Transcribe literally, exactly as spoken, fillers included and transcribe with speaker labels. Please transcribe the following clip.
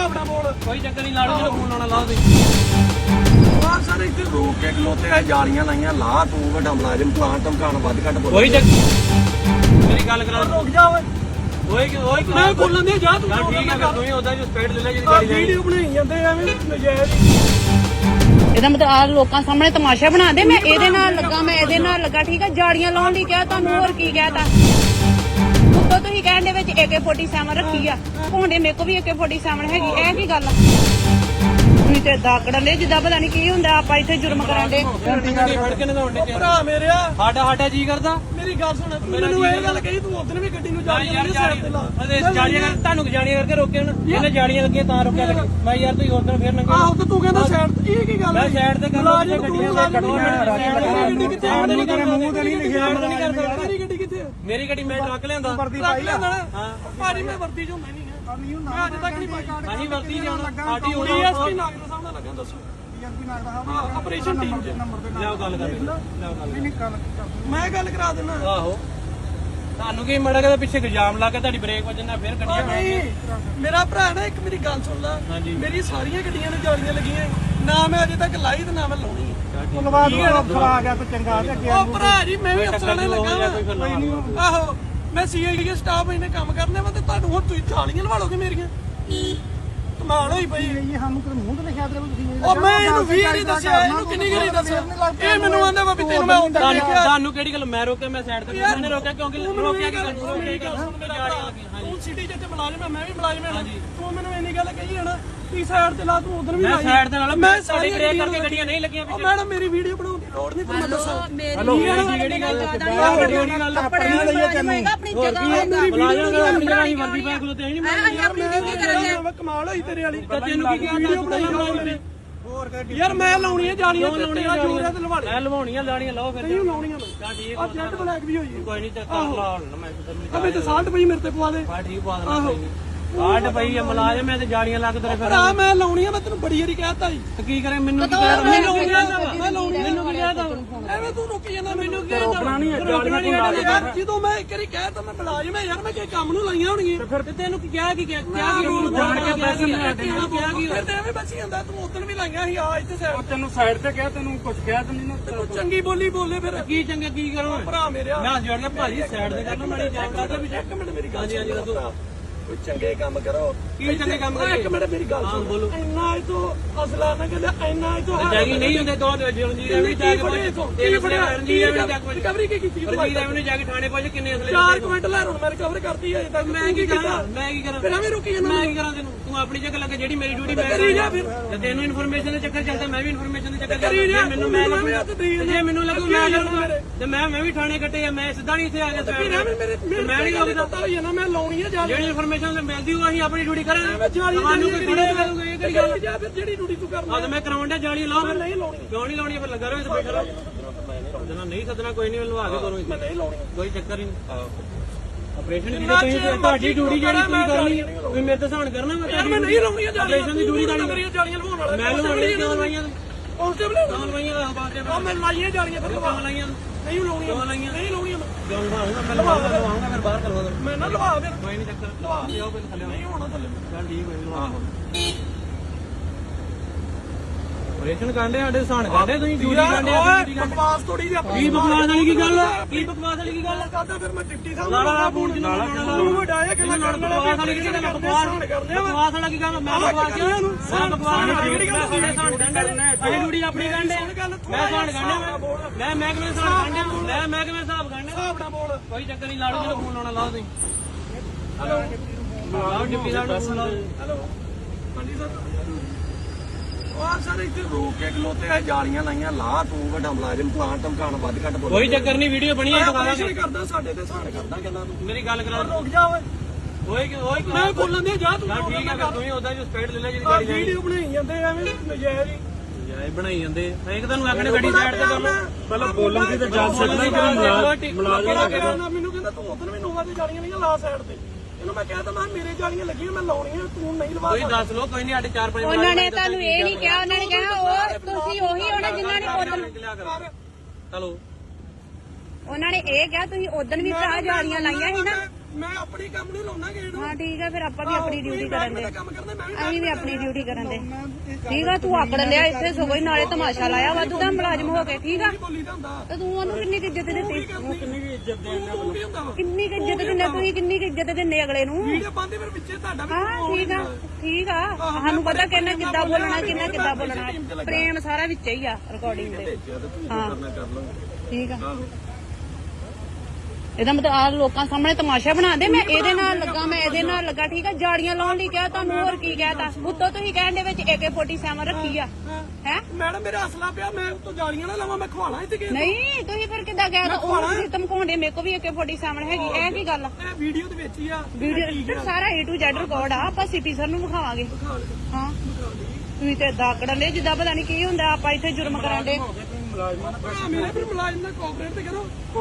Speaker 1: ਹਿਸਾਬ ਨਾਲ ਬੋਲ।
Speaker 2: ਕੋਈ ਚੱਕਰ ਨਹੀਂ, ਲਾੜੂ ਨੂੰ ਫੋਨ ਲਾਉਣਾ ਲਾ ਦੇ।
Speaker 1: ਆ ਸਰ ਇੱਥੇ ਰੋਕ ਕੇ ਖਲੋਤੇ ਆ, ਜਾਲੀਆਂ ਲਾਈਆਂ, ਲਾ ਤੂੰ ਵੱਡਾ ਮੁਲਾਜ਼ਮ, ਪਲਾਨ ਧਮਕਾਣ ਵੱਧ ਘੱਟ ਬੋਲ।
Speaker 2: ਕੋਈ ਚੱਕਰ ਮੇਰੀ ਗੱਲ ਕਰਾ।
Speaker 1: ਰੁਕ ਜਾ ਓਏ।
Speaker 2: ਓਏ ਓਏ
Speaker 1: ਮੈਂ ਬੋਲਣ ਦੇ ਜਾ ਤੂੰ।
Speaker 2: ਠੀਕ ਹੈ, ਤੂੰ ਹੀ ਉਹਦਾ ਜੋ ਸਪੀਡ ਲੈ ਲੈ ਜਿਹੜੀ ਗਾੜੀ ਜਾਈ।
Speaker 1: ਵੀਡੀਓ ਬਣਾਈ ਜਾਂਦੇ ਐਵੇਂ ਨਜਾਇਜ਼।
Speaker 3: ਇਹਦਾ ਮਤਲਬ ਆ ਲੋਕਾਂ ਸਾਹਮਣੇ ਤਮਾਸ਼ਾ ਬਣਾ ਦੇ। ਮੈਂ ਇਹਦੇ ਨਾਲ ਲੱਗਾ, ਮੈਂ ਇਹਦੇ ਨਾਲ ਲੱਗਾ, ਠੀਕ ਆ। ਜਾੜੀਆਂ ਲਾਉਣ ਲਈ ਕਿਹਾ ਤੁਹਾਨੂੰ, ਹੋਰ ਕੀ ਕਹਿਤਾ। ਉੱਤੋਂ ਤੁਸੀਂ ਕਹਿਣ ਦੇ ਵਿੱਚ ਏ ਕੇ ਫੋਰਟੀ ਸੈਵਨ ਰੱਖੀ ਆ, ਹੋਣੇ ਮੇਰੇ ਕੋਲ ਵੀ ਏ ਕੇ ਫੋਰਟੀ ਸੈਵਨ ਹੈਗੀ। ਇਹ ਕੀ ਗੱਲ ਆ? ਤੁਸੀਂ ਤੇ ਦਾਕੜਨ ਦੇ ਜਿੱਦਾਂ ਪਤਾ ਨਹੀਂ ਕੀ ਹੁੰਦਾ। ਆਪਾਂ ਇੱਥੇ ਜੁਰਮ ਕਰਾਂ ਦੇ।
Speaker 2: ਫੜ ਕੇ ਨਗਾਉਣ ਦੇ
Speaker 1: ਭਰਾ ਮੇਰਿਆ,
Speaker 2: ਸਾਡਾ ਸਾਡਾ ਜੀ ਕਰਦਾ।
Speaker 1: ਮੇਰੀ ਗੱਲ ਸੁਣ, ਮੈਨੂੰ ਇਹ ਗੱਲ ਕਹੀ ਤੂੰ ਉਦੋਂ ਵੀ ਗੱਡੀ ਨੂੰ ਜਾਲੀਆਂ ਦੀ ਸਾਈਡ ਤੇ ਲਾ।
Speaker 2: ਜਾੜੀਆਂ ਕਰ ਤੁਹਾਨੂੰ ਜਾੜੀਆਂ ਕਰਕੇ ਰੋਕਿਆ ਨਾ, ਇਹਨੇ ਜਾੜੀਆਂ ਲੱਗੀਆਂ ਤਾਂ ਰੋਕਿਆ ਲੱਗੇ। ਮੈਂ ਯਾਰ ਤੁਸੀਂ ਉਦੋਂ ਫੇਰ ਨੰਗੇ।
Speaker 1: ਆਹੋ ਤੇ ਤੂੰ ਕਹਿੰਦਾ ਸਾਈਡ ਤੇ, ਇਹ ਕੀ ਗੱਲ
Speaker 2: ਮੈਂ ਸਾਈਡ ਤੇ ਕਰ ਲਓ, ਗੱਡੀਆਂ
Speaker 1: ਗੱਡੀ
Speaker 2: ਕੱਢੋ।
Speaker 1: ਗੱਡੀ ਕਿੱਥੇ ਆ?
Speaker 2: ਨਹੀਂ ਕਰ ਮੂੰਹ ਤੇ ਨਹੀਂ ਲਿਖਿਆ।
Speaker 1: ਮੇਰੀ ਗੱਡੀ ਕਿੱਥੇ ਆ?
Speaker 2: ਮੇਰੀ ਗੱਡੀ ਮੈਂ ਟਰੱਕ ਲਿਆਂਦਾ।
Speaker 1: ਟਰੱਕ ਲਿਆਂਦਾ ਨਾ? ਭਾਜੀ ਮੈਂ ਵਰਦੀ ਚ ਹੁੰਦਾ ਨਹੀਂ ਹੈ, ਮੈਂ ਅੱਜ ਤੱਕ ਨਹੀਂ ਪਾਈ।
Speaker 2: ਅਸੀਂ ਵਰਤੀ ਜਾਣਾ ਸਾਡੀ ਹੋਣੀ।
Speaker 1: ਡੀਐਸਪੀ ਨਾਗਰ ਸਾਹਿਬ ਨਾਲ ਲੱਗਾ, ਦੱਸੋ। ਹਾਂ, ਆਪਰੇਸ਼ਨ ਟੀਮ ਚ
Speaker 2: ਲਿਆਓ ਗੱਲ ਕਰ ਲਿਆਓ ਗੱਲ।
Speaker 1: ਮੈਂ ਗੱਲ ਕਰਾ ਦੇਣਾ।
Speaker 2: ਆਹੋ ਤੁਹਾਨੂੰ ਕੀ ਮੜਾ ਕੇ ਪਿੱਛੇ ਇਲਜ਼ਾਮ ਲਾ ਕੇ ਤੁਹਾਡੀ ਬ੍ਰੇਕ ਵੱਜਣਾ ਫੇਰ ਗੱਡੀਆਂ
Speaker 1: ਨਹੀਂ ਮੇਰਾ ਭਰਾ ਨਾ, ਇੱਕ ਮੇਰੀ ਗੱਲ ਸੁਣ ਲੈ। ਮੇਰੀ ਸਾਰੀਆਂ ਗੱਡੀਆਂ ਨੂੰ ਜਾਲੀਆਂ ਲੱਗੀਆਂ, ਨਾ ਮੈਂ ਅਜੇ ਤੱਕ ਲਾਈ ਤੇ ਨਾ ਮੈਂ ਲਾਉਣੀ।
Speaker 4: ਅਫਸਰ ਆ ਗਿਆ ਤੇ ਚੰਗਾ ਤੇ ਅੱਗੇ
Speaker 1: ਉਹ ਭਰਾ ਜੀ ਮੈਂ ਵੀ ਅਫਸਰਾਂ ਨਾਲ ਲੱਗਾ। ਆਹੋ ਮੈਂ ਸੀਆਈਡੀ ਸਟਾਫ ਇਹਨੇ ਕੰਮ ਕਰਨੇ ਵਾ ਤੇ ਤੁਹਾਨੂੰ ਹੁਣ ਤੁਸੀਂ ਜਾਲੀਆਂ ਲਵਾ ਲੋਗੇ ਮੇਰੀਆਂ। ਕਮਾਲ ਹੋਈ ਪਈ।
Speaker 4: ਇਹ ਸਾਨੂੰ ਕਿਤੇ ਮੂੰਹ ਤੇ ਲਿਖਿਆ ਤੇ ਤੁਸੀਂ
Speaker 1: ਉਹ ਮੈਂ ਇਹਨੂੰ ਵੀ ਨਹੀਂ ਦੱਸਿਆ, ਇਹਨੂੰ ਕਿੰਨੀ ਗਰੀ ਦੱਸਿਆ। ਇਹ ਮੈਨੂੰ ਆਂਦਾ ਵਾ ਵੀ ਤੈਨੂੰ ਮੈਂ ਹੁੰਦਾ ਨਹੀਂ ਕਿਹਾ।
Speaker 2: ਤੁਹਾਨੂੰ ਕਿਹੜੀ ਗੱਲ ਮੈਂ ਰੋਕਿਆ? ਮੈਂ ਸਾਈਡ ਤੇ ਮੈंने ਰੋਕਿਆ ਕਿਉਂਕਿ ਰੋਕਿਆ ਕਿ
Speaker 1: ਤੂੰ ਸਿਟੀ ਚ ਮੁਲਾਜ਼ਮ ਹੈ, ਮੈਂ ਵੀ ਮੁਲਾਜ਼ਮ ਹਾਂ। ਤੂੰ ਮੈਨੂੰ ਇੰਨੀ ਗੱਲ ਕਹੀ ਹੈ ਨਾ, ਤੀ ਸਾਈਡ ਤੇ ਲਾ, ਤੂੰ ਉਧਰ ਵੀ
Speaker 2: ਮੈਂ
Speaker 1: ਲਾਈ।
Speaker 2: ਸਾਈਡ ਦੇ ਨਾਲ ਮੈਂ ਸਾਡੀ ਬ੍ਰੇਕ ਕਰਕੇ ਗੱਡੀਆਂ ਨਹੀਂ ਲੱਗੀਆਂ
Speaker 1: ਉਹ ਮੈਡਮ ਮੇਰੀ ਵੀਡੀਓ ਬਣਾਉਣ ਦੀ ਲੋੜ ਨਹੀਂ, ਤੁਹਾਨੂੰ ਦੱਸਾਂ।
Speaker 3: ਹੈਲੋ
Speaker 2: ਕਿਹੜੀ ਗੱਲ
Speaker 3: ਆਪਣੀ ਜਗ੍ਹਾ
Speaker 2: ਮੁਲਾਜ਼ਮ ਦਾ ਅਸੀਂ ਵਰਦੀ ਪਾ ਖਲੋਤੇ ਅਸੀਂ ਨਹੀਂ
Speaker 3: ਆਪਣੀ ਡਿਊਟੀ ਕਰਦੇ ਆ।
Speaker 1: ਕਮਾਲ ਹੋਈ ਤੇਰੇ ਵਾਲੀ।
Speaker 2: ਤੈਨੂੰ ਕੀ
Speaker 1: ਵੀਡੀਓ ਬਣਾਈ ਮੇਰੀ ਯਾਰ, ਮੈਂ ਲਾਉਣੀਆਂ ਜਾਲੀਆਂ ਲਾਉਣੀਆਂ ਜੋਰਿਆ ਤੇ ਲਵਾੜੇ।
Speaker 2: ਮੈਂ ਲਵਾਉਣੀਆਂ ਲਾਣੀਆਂ ਲਾਓ ਫਿਰ।
Speaker 1: ਨਹੀਂ ਲਾਉਣੀਆਂ ਮੈਂ।
Speaker 2: ਤਾਂ ਠੀਕ
Speaker 1: ਆ ਜੈਟ ਬਲੈਕ ਵੀ ਹੋਈ।
Speaker 2: ਕੋਈ ਨਹੀਂ ਤੇ ਕਰ ਲਾ ਹੁਣ ਮੈਂ
Speaker 1: ਆ ਮੈਂ ਤੇ ਸਾਲਟ ਪਈ ਮੇਰੇ ਤੇ ਪਵਾ ਦੇ।
Speaker 2: ਬਾ ਠੀਕ ਪਾ ਦੇਣਾ। ਕਾਟ ਪਈ ਆ ਮੁਲਾਜ਼ਮ ਐ ਤੇ ਜਾੜੀਆਂ ਲੱਗ ਤੇਰੇ ਫਿਰ।
Speaker 1: ਭਰਾ ਮੈਂ ਲਾਉਣੀਆਂ, ਮੈਂ ਤੈਨੂੰ ਬੜੀ ਵਾਰੀ ਕਹਿਤਾ ਜੀ।
Speaker 2: ਤੇ ਕੀ ਕਰੇ ਮੈਨੂੰ ਕੀ ਕਹਿ
Speaker 1: ਮੈਂ ਲਾਉਣੀਆਂ, ਮੈਂ ਲਾਉਣੀਆਂ।
Speaker 2: ਮੈਨੂੰ ਕੀ ਕਹਿਦਾ
Speaker 1: ਐਵੇਂ ਤੂੰ ਰੁਕ ਜਾਂਦਾ, ਮੈਨੂੰ ਕੀ ਰੋਕਣਾ ਨਹੀਂ ਹੈ। ਯਾਰ ਜਦੋਂ ਮੈਂ ਇੱਕ ਵਾਰੀ ਕਹਿਤਾ ਮੈਂ ਮੁਲਾਜ਼ਮ ਹੈ ਯਾਰ, ਮੈਂ ਕਿਸੇ ਕੰਮ ਨੂੰ ਲਾਈਆਂ ਹੋਣਗੀਆਂ।
Speaker 2: ਫਿਰ ਤੇ ਤੈਨੂੰ ਕੀ ਕਿਹਾ ਕੀ ਕਿਹਾ ਕੀ ਰੂਲ ਜਾਣ ਕੇ ਕਿਹਾ ਕੀ ਕਿਹਾ ਕੀ
Speaker 1: ਫਿਰ ਤੇ ਐਵੇਂ ਬਚੀ ਜਾਂਦਾ। ਤੂੰ ਉਦੋਂ ਵੀ ਲਾਈਆਂ ਸੀ, ਆ ਇੱਥੇ ਸਾਈਡ।
Speaker 4: ਤੈਨੂੰ ਸਾਈਡ ਤੇ ਕਿਹਾ, ਤੈਨੂੰ ਕੁਝ ਕਿਹਾ ਤੇ ਨਹੀਂ ਨਾ।
Speaker 1: ਤੂੰ ਚੰਗੀ ਬੋਲੀ ਬੋਲੇ ਫਿਰ।
Speaker 2: ਕੀ ਚੰਗਾ ਕੀ ਕਰੋ
Speaker 1: ਭਰਾ ਮੇਰਿਆ,
Speaker 2: ਮੈਂ ਜੋੜਨਾ ਭਾਜੀ ਸਾਈਡ ਤੇ ਕਰਨਾ ਮਾੜੀ ਚੈੱਕ ਕਰਦਾ ਵੀ
Speaker 1: ਇੱਕ ਮਿੰਟ ਮੇਰੀ ਗੱਲ।
Speaker 2: ਹਾਂਜੀ ਹਾਂਜੀ ਦੱਸੋ
Speaker 1: ਕੋਈ ਚੰਗੇ ਕੰਮ ਕਰੋ।
Speaker 2: ਕੀ ਚੰਗੇ ਕੰਮ ਕਰੀਏ?
Speaker 1: ਇੱਕ ਮਿੰਟ ਮੇਰੀ ਗੱਲ ਸੁਣ।
Speaker 2: ਬੋਲੋ।
Speaker 1: ਇੰਨਾ ਇਹ ਤੋਂ ਅਸਲਾ ਨਾ ਕਹਿੰਦਾ, ਇੰਨਾ ਇਹ ਤੋਂ
Speaker 2: ਜਾਗੀ ਨਹੀਂ ਹੁੰਦੇ ਦੋ ਜਲਜੀਰ ਐਵੇਂ ਜਾ ਕੇ
Speaker 1: ਕੀ ਫੜਿਆ?
Speaker 2: ਰਣਜੀਤ ਐਵੇਂ ਜਾ ਕੇ
Speaker 1: ਰਿਕਵਰੀ ਕੀ ਕੀਤੀ?
Speaker 2: ਰਣਜੀਤ ਐਵੇਂ ਜਾ ਕੇ ਥਾਣੇ ਪਹੁੰਚ ਕਿੰਨੇ ਅਸਲੇ
Speaker 1: ਚਾਰ ਕੁਇੰਟਲ ਲੈ ਹੁਣ ਮੈਂ ਰਿਕਵਰ ਕਰਤੀ ਹੈ ਤੱਕ।
Speaker 2: ਮੈਂ ਕੀ ਕਰਾਂ ਮੈਂ ਕੀ ਕਰਾਂ
Speaker 1: ਫਿਰ ਐਵੇਂ ਰੁਕੀ ਜਾਂਦਾ।
Speaker 2: ਮੈਂ ਕੀ ਕਰਾਂ ਤੈਨੂੰ? ਤੂੰ ਆਪਣੀ ਜਗ੍ਹਾ ਲੱਗੇ, ਜਿਹੜੀ ਮੇਰੀ ਡਿਊਟੀ ਮੈਂ
Speaker 1: ਕਰੀ ਜਾ ਫਿਰ।
Speaker 2: ਤੇ ਤੈਨੂੰ ਇਨਫੋਰਮੇਸ਼ਨ ਦੇ ਚੱਕਰ ਚੱਲਦਾ, ਮੈਂ ਵੀ ਇਨਫੋਰਮੇਸ਼ਨ ਦੇ ਚੱਕਰ
Speaker 1: ਕਰੀ ਜਾ।
Speaker 2: ਮੈਨੂੰ ਮੈਂ
Speaker 1: ਮੈਨੂੰ
Speaker 2: ਜੇ ਮੈਨੂੰ ਲੱਗੂ ਮੈਂ ਕਰੂੰਗਾ ਤੇ ਮੈਂ ਮੈਂ ਵੀ ਥਾਣੇ ਕੱਟੇ ਆ, ਮੈਂ ਸਿੱਧਾ ਨਹੀਂ ਇੱਥੇ ਆ ਗਿਆ।
Speaker 1: ਫਿਰ ਐਵੇਂ ਮੇਰੇ
Speaker 2: ਮੈਂ ਨਹੀਂ ਲੱਗਦਾ
Speaker 1: ਪਤਾ ਹੋਈ ਨਾ, ਮੈਂ ਲਾਉਣੀ ਹੈ ਜਾ।
Speaker 2: ਜਿਹੜੀ ਇਨਫੋਰਮੇਸ਼ਨ ਮਿਲਦੀ ਉਹ ਅਸੀਂ ਆਪਣੀ ਡਿਊਟੀ ਕਰਾਂਗੇ।
Speaker 1: ਤੁਹਾਨੂੰ
Speaker 2: ਕੋਈ ਥੋੜੇ ਕਰੂਗਾ ਇਹ ਕਿਹੜੀ ਗੱਲ?
Speaker 1: ਜਾ ਫਿਰ ਜਿਹੜੀ ਡਿਊਟੀ ਤੂੰ ਕਰਨਾ।
Speaker 2: ਆ ਮੈਂ ਕਰਾਉਣ ਦਾ ਜਾਲੀ ਲਾਓ।
Speaker 1: ਮੈਂ ਨਹੀਂ ਲਾਉਣੀ।
Speaker 2: ਕਿਉਂ ਨਹੀਂ ਲਾਉਣੀ? ਫਿਰ ਲੱਗਾ ਰਹੇ ਤੇ ਬੈਠਾ ਰਹੋ। ਜਨਾ ਨਹੀਂ ਸੱਦਣਾ ਕੋਈ ਨਹੀਂ, ਲਵਾ ਕੇ ਕਰੋ।
Speaker 1: ਮੈਂ ਨਹੀਂ ਲਾਉਣੀ।
Speaker 2: ਕੋਈ ਚੱਕਰ ਹੀ ਨਹੀਂ। ਆਪਰੇਸ਼ਨ ਦੀ ਤੁਸੀਂ ਤੁਹਾਡੀ ਡਿਊਟੀ ਜਿਹੜੀ ਤੁਸੀਂ ਕਰਨੀ ਹੈ, ਤੁਸੀਂ ਮੇਰੇ ਤੇ ਸਹਾਨ ਕਰਨਾ।
Speaker 1: ਯਾਰ ਮੈਂ ਨਹੀਂ ਲਾਉਣੀ ਹੈ ਜਾਲੀਆਂ।
Speaker 2: ਆਪਰੇਸ਼ਨ ਦੀ ਡਿਊਟੀ
Speaker 1: ਤਾਂ ਮੇਰੀਆਂ ਜਾਲੀਆਂ ਲਵਾਉਣ ਵਾਲਾ
Speaker 2: ਮੈਂ ਲਵਾਉਣੀ ਕਿਉਂ ਲਵਾਈਆਂ?
Speaker 1: ਕਾਂਸਟੇਬਲ
Speaker 2: ਕਿਉਂ ਲਵਾਈਆਂ? ਆ ਬਾਅਦ
Speaker 1: ਆ ਮੈਂ ਲਾਈਆਂ ਜਾਲੀਆਂ ਫਿਰ ਲਵਾ
Speaker 2: ਲਾਈਆਂ
Speaker 1: ਨਹੀਂ ਲਾਉਣੀਆਂ।
Speaker 2: ਲਾਈਆਂ
Speaker 1: ਨਹੀਂ ਲਾਉਣੀਆਂ ਮੈਂ।
Speaker 2: ਕਿਉਂ ਲਵਾਉਂਗਾ? ਮੈਂ ਲਵਾਉਂਗਾ ਫਿਰ ਬਾਹਰ ਕਰਵਾ ਦੋ।
Speaker 1: ਮੈਂ ਨਾ ਲਵਾ ਫਿਰ।
Speaker 2: ਕੋਈ ਨਹੀਂ ਚੱਕਰ ਲਵਾ ਲਿਆਓ ਪਹਿਲੇ ਥੱਲੇ।
Speaker 1: ਨਹੀਂ ਹੋਣਾ ਥੱਲੇ।
Speaker 2: ਚੱਲ ਠੀਕ ਹੋਈ ਲਵਾ। ਆਪਰੇਸ਼ਨ ਕਾਂਡੇ ਸਾਡੇ ਸਹਾਨ ਕਾਂਡੇ ਤੁਸੀਂ ਡਿਊਟੀ ਕਾਂਡੇ
Speaker 1: ਓਏ ਬਕਵਾਸ ਥੋੜੀ ਜਿਹੀ ਆਪਣੀ।
Speaker 2: ਕੀ ਬਕਵਾਸ ਵਾਲੀ ਕੀ ਗੱਲ? ਕੀ ਬਕਵਾਸ ਵਾਲੀ ਕੀ ਗੱਲ?
Speaker 1: ਕਰਦਾ ਫਿਰ ਮੈਂ ਡਿਪਟੀ ਸਾਹਿਬ
Speaker 2: ਲਾਲਾ ਦਾ ਫੋਨ ਜਿੰਨਾ ਲਾਉਣਾ
Speaker 1: ਨੂੰ ਵਡਾਇਆ ਕਿ ਮੈਂ ਕਰਨ ਵਾਲਾ
Speaker 2: ਬਕਵਾਸ ਵਾਲੀ ਕੀ ਗੱਲ? ਬਕਵਾਸ ਬਕਵਾਸ ਵਾਲਾ ਕੀ ਗੱਲ? ਮੈਂ ਬਕਵਾਸ ਕਿਉਂ ਇਹਨੂੰ? ਮੈਂ ਬਕਵਾਸ ਨਹੀਂ ਕਿਹੜੀ ਗੱਲ? ਸਾਡੇ ਸਹਾਨ ਕਾਂਡੇ ਅਸੀਂ ਡਿਊਟੀ ਆਪਣੀ ਕਾਂਡੇ ਮੈਂ ਸਹਾਨ ਕਾਂਡੇ ਮੈਂ ਮੈਂ ਕਿਵੇਂ ਸਹਾਨ ਕਾਂਡੇ ਮੈਂ ਮੈਂ ਕਿਵੇਂ ਹਿਸਾਬ ਕਾਂਡੇ
Speaker 1: ਹਿਸਾਬ ਨਾਲ ਬੋਲ।
Speaker 2: ਕੋਈ ਚੱਕਰ ਨਹੀਂ, ਲਾੜੂ ਨੂੰ ਫੋਨ ਲਾਉਣਾ ਲਾ ਤੁਸੀਂ। ਹੈਲੋ ਲਾਓ ਡਿਪਟੀ ਸਾਹਿਬ ਨੂੰ ਫੋਨ ਲਾਓ।
Speaker 1: ਹੈਲੋ ਹਾਂਜੀ ਸਰ। ਉਹ ਸਰ ਇੱਥੇ ਰੋਕ ਕੇ ਖਲੋਤੇ ਆ, ਜਾਲੀਆਂ ਲਾਈਆਂ, ਲਾ ਤੂੰ ਵੱਡਾ ਮੁਲਾਜ਼ਮ, ਪਲਾਨ ਧਮਕਾਣ ਵੱਧ ਘੱਟ ਬੋਲ।
Speaker 2: ਕੋਈ ਚੱਕਰ ਨਹੀਂ, ਵੀਡੀਓ ਬਣੀ ਹੈ
Speaker 1: ਆਪਰੇਸ਼ਨ ਕਰਦਾ ਸਾਡੇ ਤੇ ਸਹਾਨ ਕਰਦਾ ਕਹਿੰਦਾ ਤੂੰ।
Speaker 2: ਮੇਰੀ ਗੱਲ ਕਰਾ।
Speaker 1: ਰੁਕ ਜਾ ਓਏ।
Speaker 2: ਓਏ ਓਏ
Speaker 1: ਮੈਂ ਬੋਲਣ ਦੇ ਜਾ ਤੂੰ।
Speaker 2: ਠੀਕ ਹੈ, ਤੂੰ ਹੀ ਉਹਦਾ ਜੋ ਸਪੀਡ ਲੈ ਲੈ ਜਿਹੜੀ ਗਾੜੀ ਜਾਈ।
Speaker 1: ਵੀਡੀਓ ਬਣਾਈ ਜਾਂਦੇ ਐਵੇਂ ਨਜਾਇਜ਼ ਹੀ।
Speaker 2: ਜਾਈ ਬਣਾਈ ਜਾਂਦੇ। ਮੈਂ ਇੱਕ ਤੁਹਾਨੂੰ ਆਖਣੇ ਗੱਡੀ ਸਾਈਡ ਤੇ ਕਰ ਲਓ।
Speaker 4: ਪਹਿਲਾਂ ਬੋਲਣ ਦੀ ਤਾਂ ਜਾਚ ਸਿੱਖਣਾ ਹੀ ਕਿ
Speaker 1: ਮੁਲਾਜ਼ਮ ਮੈਨੂੰ ਕਹਿੰਦਾ ਤੂੰ ਉਦੋਂ ਵੀ ਨੋਵਾ ਦੀ ਜਾਲੀਆਂ ਨਹੀਂ ਲਾ ਸਾਈਡ ਤੇ। ਇਹਨੂੰ ਮੈਂ ਕਹਿ ਤਾ ਮੈਂ ਮੇਰੇ ਜਾਲੀਆਂ ਲੱਗੀਆਂ, ਮੈਂ ਲਾਉਣੀਆਂ, ਤੂੰ ਨਹੀਂ ਲਵਾ।
Speaker 2: ਕੋਈ ਦੱਸ ਲੋ, ਕੋਈ ਨਹੀਂ ਸਾਡੇ ਚਾਰ ਪੰਜ
Speaker 3: ਉਹਨਾਂ ਨੇ ਤੁਹਾਨੂੰ ਇਹ ਨਹੀਂ ਕਿਹਾ, ਉਹਨਾਂ ਨੇ ਕਿਹਾ ਉਹ ਤੁਸੀਂ ਉਹੀ ਹੋਣਾ ਜਿਨ੍ਹਾਂ ਨੇ ਉਦੋਂ
Speaker 2: ਚਲੋ
Speaker 3: ਉਹਨਾਂ ਨੇ ਇਹ ਕਿਹਾ ਤੁਸੀਂ ਉਦੋਂ ਵੀ ਭਰਾ ਜਾਲੀਆਂ ਲਾਈਆਂ ਸੀ ਨਾ।
Speaker 1: ਮੈਂ ਆਪਣੀ ਕੰਮ ਨਹੀਂ ਲਾਉਣਾ ਕਿਸੇ ਨੂੰ
Speaker 3: ਹਾਂ ਠੀਕ ਆ ਫਿਰ ਆਪਾਂ ਵੀ ਆਪਣੀ ਡਿਊਟੀ ਕਰਨ ਦੇ
Speaker 1: ਕੰਮ ਕਰਨਾ ਮੈਂ ਵੀ
Speaker 3: ਅਸੀਂ ਵੀ ਆਪਣੀ ਡਿਊਟੀ ਕਰਨ ਦੇ ਠੀਕ ਆ ਤੂੰ ਆਕੜ ਲਿਆ ਇੱਥੇ ਸਗੋਂ ਹੀ ਨਾਲੇ ਤਮਾਸ਼ਾ ਲਾਇਆ ਵਾਧੂ ਦਾ ਮੁਲਾਜ਼ਮ ਹੋ ਕੇ ਠੀਕ ਆ
Speaker 1: ਬੋਲੀ ਦਾ ਹੁੰਦਾ
Speaker 3: ਤੇ ਤੂੰ ਉਹਨੂੰ ਕਿੰਨੀ ਕੁ ਇੱਜ਼ਤ ਦਿੱਤੀ
Speaker 4: ਕਿੰਨੀ ਵੀ ਇੱਜ਼ਤ ਦੇਣਾ
Speaker 1: ਤੂੰ ਕੀ ਹੁੰਦਾ ਵਾ
Speaker 3: ਕਿੰਨੀ ਕੁ ਇੱਜ਼ਤ ਦਿੰਦੇ ਤੁਸੀਂ ਕਿੰਨੀ ਕੁ ਇੱਜ਼ਤ ਦਿੰਦੇ ਅਗਲੇ ਨੂੰ
Speaker 1: ਵੀਡੀਓ ਬੰਦੇ ਫਿਰ ਵਿੱਚੇ ਤੁਹਾਡਾ ਵੀ
Speaker 3: ਹਾਂ ਠੀਕ ਆ ਠੀਕ ਆ ਸਾਨੂੰ ਪਤਾ ਕਿੰਨਾ ਕਿੱਦਾਂ ਬੋਲਣਾ ਕਿੰਨਾ ਕਿੱਦਾਂ ਬੋਲਣਾ ਪ੍ਰੇਮ ਸਾਰਾ ਵਿੱਚ ਹੀ ਆ ਰਿਕਾਰਡਿੰਗ ਦੇ ਹਾਂ ਠੀਕ ਆ ਇਹਦਾ ਮਤਲਬ ਆ ਲੋਕਾਂ ਸਾਹਮਣੇ ਤਮਾਸ਼ਾ ਬਣਾਉਂਦੇ ਮੈਂ ਇਹਦੇ ਨਾਲ ਲੱਗਾ ਮੈਂ ਇਹਦੇ ਨਾਲ ਲੱਗਾ ਠੀਕ ਆ ਜਾੜੀਆਂ ਲਾਉਣ ਲਈ ਕਿਹਾ ਤੁਹਾਨੂੰ ਹੋਰ ਕੀ ਕਹਿਤਾ ਉੱਤੋਂ ਤੁਸੀਂ ਕਹਿਣ ਦੇ ਵਿੱਚ ਏ ਕੇ ਫੋਰਟੀ ਸੈਵਨ ਰੱਖੀ ਆ ਹੈ
Speaker 1: ਮੈਡਮ ਮੇਰਾ ਅਸਲਾ ਪਿਆ ਮੈਂ ਉੱਤੋਂ ਜਾਲੀਆਂ ਨਾ ਲਾਵਾਂ ਮੈਂ ਖਵਾਣਾ ਇੱਥੇ ਕਿਸੇ
Speaker 3: ਨਹੀਂ ਤੁਸੀਂ ਫਿਰ ਕਿੱਦਾਂ ਕਹਿ ਦੋ ਉਹ ਤੁਸੀਂ ਧਮਕਾਉਂਦੇ ਮੇਰੇ ਕੋ ਵੀ ਏ ਕੇ ਫੋਰਟੀ ਸੈਵਨ ਹੈਗੀ ਇਹ ਕੀ ਗੱਲ ਆ
Speaker 1: ਇਹ ਵੀਡੀਓ ਦੇ ਵਿੱਚ ਹੀ ਆ
Speaker 3: ਵੀਡੀਓ ਸਾਰਾ ਏ ਟੂ ਜ਼ੈਡ ਰਿਕਾਰਡ ਆ ਆਪਾਂ ਸੀਪੀ ਸਰ ਨੂੰ ਵਿਖਾਵਾਂਗੇ ਹਾਂ ਤੁਸੀਂ ਤੇ ਦਾਕੜਨ ਦੇ ਜਿੱਦਾਂ ਪਤਾ ਨਹੀਂ ਕੀ ਹੁੰਦਾ ਆਪਾਂ ਇੱਥੇ ਜੁਰਮ ਕਰਾਂਗੇ
Speaker 4: ਮੁਲਾਜ਼ਮਾਂ
Speaker 1: ਮੇਰੇ ਫਿਰ ਮੁਲਾਜ਼ਮ ਨਾਲ ਕੋਆਪਰੇਟ ਤੇ ਕਰੋ